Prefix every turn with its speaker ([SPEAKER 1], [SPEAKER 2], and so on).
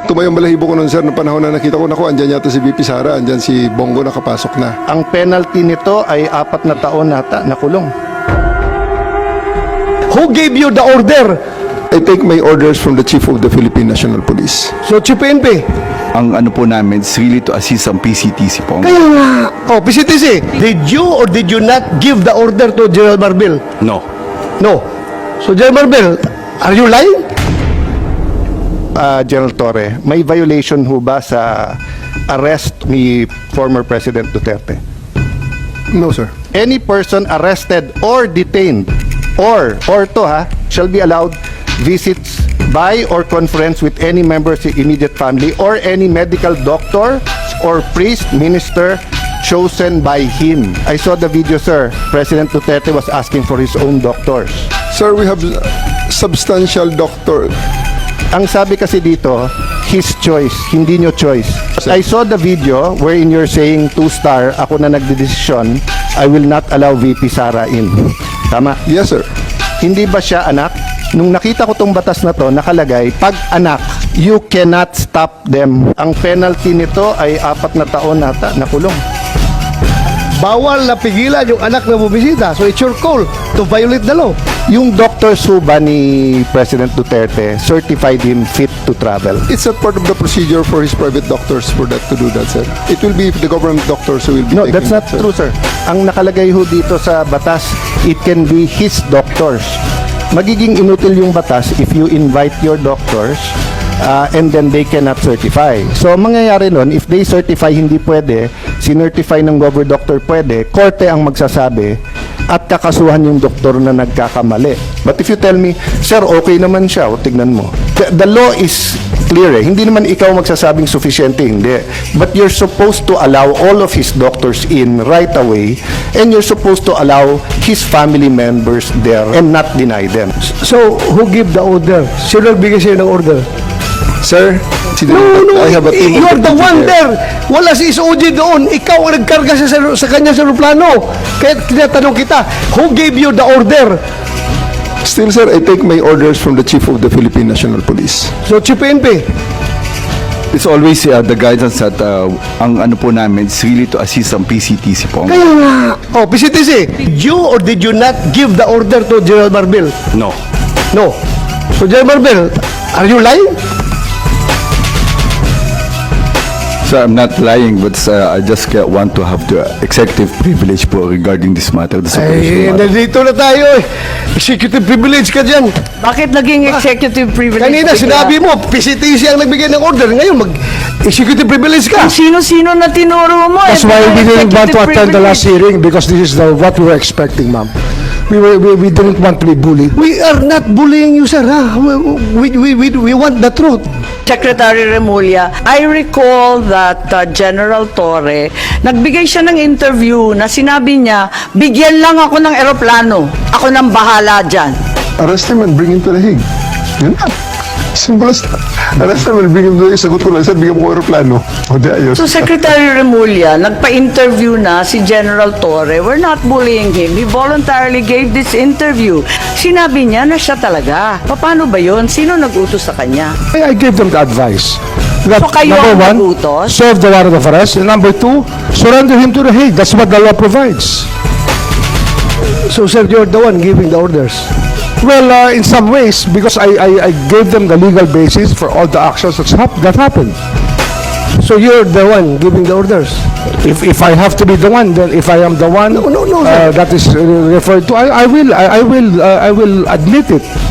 [SPEAKER 1] Tumayong balahibo ko nun, sir, noong panahon na nakita ko, naku, andyan yata si VP Sara, andyan si Bongo nakapasok na.
[SPEAKER 2] Ang penalty nito ay 4 na taon nata na kulong.
[SPEAKER 3] Who gave you the order?
[SPEAKER 1] I take my orders from the Chief of the Philippine National Police.
[SPEAKER 3] So, Chief PNP.
[SPEAKER 4] Ang ano po namin is really to assist ang PCTC po.
[SPEAKER 3] Kaya nga. Oh, PCTC, did you or did you not give the order to General Marbil?
[SPEAKER 4] No.
[SPEAKER 3] No. So, General Marbil, are you lying?
[SPEAKER 2] General Torre, may violation ho ba sa arrest ni former President Duterte?
[SPEAKER 1] No, sir.
[SPEAKER 2] Any person arrested or detained or shall be allowed visits by or conference with any member of the immediate family or any medical doctor or priest, minister chosen by him. I saw the video, sir. President Duterte was asking for his own doctors.
[SPEAKER 1] Sir, we have substantial doctor.
[SPEAKER 2] Ang sabi kasi dito, his choice, hindi nyo choice. I saw the video wherein you're saying 2-star, ako na nagdedesisyon, I will not allow VP Sara in. Tama?
[SPEAKER 1] Yes, sir.
[SPEAKER 2] Hindi ba siya anak? Nung nakita ko tong batas na to, nakalagay, pag anak, you cannot stop them. Ang penalty nito ay 4 na taon nata na kulong.
[SPEAKER 3] Bawal na pigilan yung anak na bumisita. So, it's your call to violate the law.
[SPEAKER 2] Yung doctors ho ba ni President Duterte certified him fit to travel?
[SPEAKER 1] It's not part of the procedure for his private doctors for that to do that, sir. It will be the government doctors who will be
[SPEAKER 2] No,
[SPEAKER 1] taking
[SPEAKER 2] that's not
[SPEAKER 1] that, sir.
[SPEAKER 2] true, sir. Ang nakalagay ho dito sa batas, it can be his doctors. Magiging inutil yung batas if you invite your doctors and then they cannot certify. So, ang mangyayari nun, if they certify hindi pwede, sinertify ng gover doctor pwede, korte ang magsasabi at kakasuhan yung doktor na nagkakamali. But if you tell me, sir, okay naman siya, o tignan mo. The law is clear eh. Hindi naman ikaw magsasabing sufficiente, hindi. But you're supposed to allow all of his doctors in right away and you're supposed to allow his family members there and not deny them.
[SPEAKER 3] So, who give the order? Sino nagbigay sa'yo ng order?
[SPEAKER 1] Sir,
[SPEAKER 3] No,
[SPEAKER 1] I have a team of
[SPEAKER 3] you're the
[SPEAKER 1] deputy
[SPEAKER 3] one
[SPEAKER 1] there.
[SPEAKER 3] there. Wala si SOG doon. Ikaw ang nagkarga sa kanya sa aeroplano. Kaya tinatanong kita, who gave you the order?
[SPEAKER 1] Still, sir, I take my orders from the Chief of the Philippine National Police.
[SPEAKER 3] So, Chief PNP.
[SPEAKER 4] It's always the guidance that ang ano po namin is really to assist ang PCTC po.
[SPEAKER 3] Kaya nga. Oh, PCTC, did you or did you not give the order to General Marbil?
[SPEAKER 4] No.
[SPEAKER 3] No. So, General Marbil, are you lying?
[SPEAKER 4] So I'm not lying, but I just want to have the executive privilege po regarding this matter. This
[SPEAKER 3] Ay,
[SPEAKER 4] operational matter.
[SPEAKER 3] nandito na tayo eh. Executive privilege ka dyan.
[SPEAKER 5] Bakit naging executive privilege?
[SPEAKER 3] Kanina sinabi mo, PCTC ang nagbigay ng order. Ngayon, mag-executive privilege ka.
[SPEAKER 5] Sino-sino na tinuro mo?
[SPEAKER 6] That's why we didn't want to attend the last hearing because this is what we were expecting, ma'am. We didn't want to be bullied.
[SPEAKER 3] We are not bullying you, sir. Ha? We want the truth.
[SPEAKER 5] Secretary Remulla, I recall that General Torre, nagbigay siya ng interview na sinabi niya, bigyan lang ako ng eroplano. Ako nang bahala dyan.
[SPEAKER 1] Arrest him and bring him to the Hague. Yun lang. Simple as that. Arrest him and bring him to the Hague. Sagot ko lang, sir, bigyan mo ko aeroplano. O di ayos.
[SPEAKER 5] So Secretary Remulla, nagpa-interview na si General Torre. We're not bullying him. He voluntarily gave this interview. Sinabi niya na siya talaga. Paano ba yun? Sino nag-utos sa kanya?
[SPEAKER 6] I gave them the advice. That,
[SPEAKER 5] So kayo
[SPEAKER 6] number
[SPEAKER 5] ang
[SPEAKER 6] one,
[SPEAKER 5] nagutos?
[SPEAKER 6] serve the warrant of arrest. And number two, surrender him to the Hague. That's what the law provides.
[SPEAKER 3] So, sir, you're the one giving the orders.
[SPEAKER 6] Well, in some ways, because I gave them the legal basis for all the actions that happened.
[SPEAKER 3] So, you're the one giving the orders.
[SPEAKER 6] If I have to be the one, then if I am the one
[SPEAKER 3] No, sir.
[SPEAKER 6] that is referred to, I will admit it.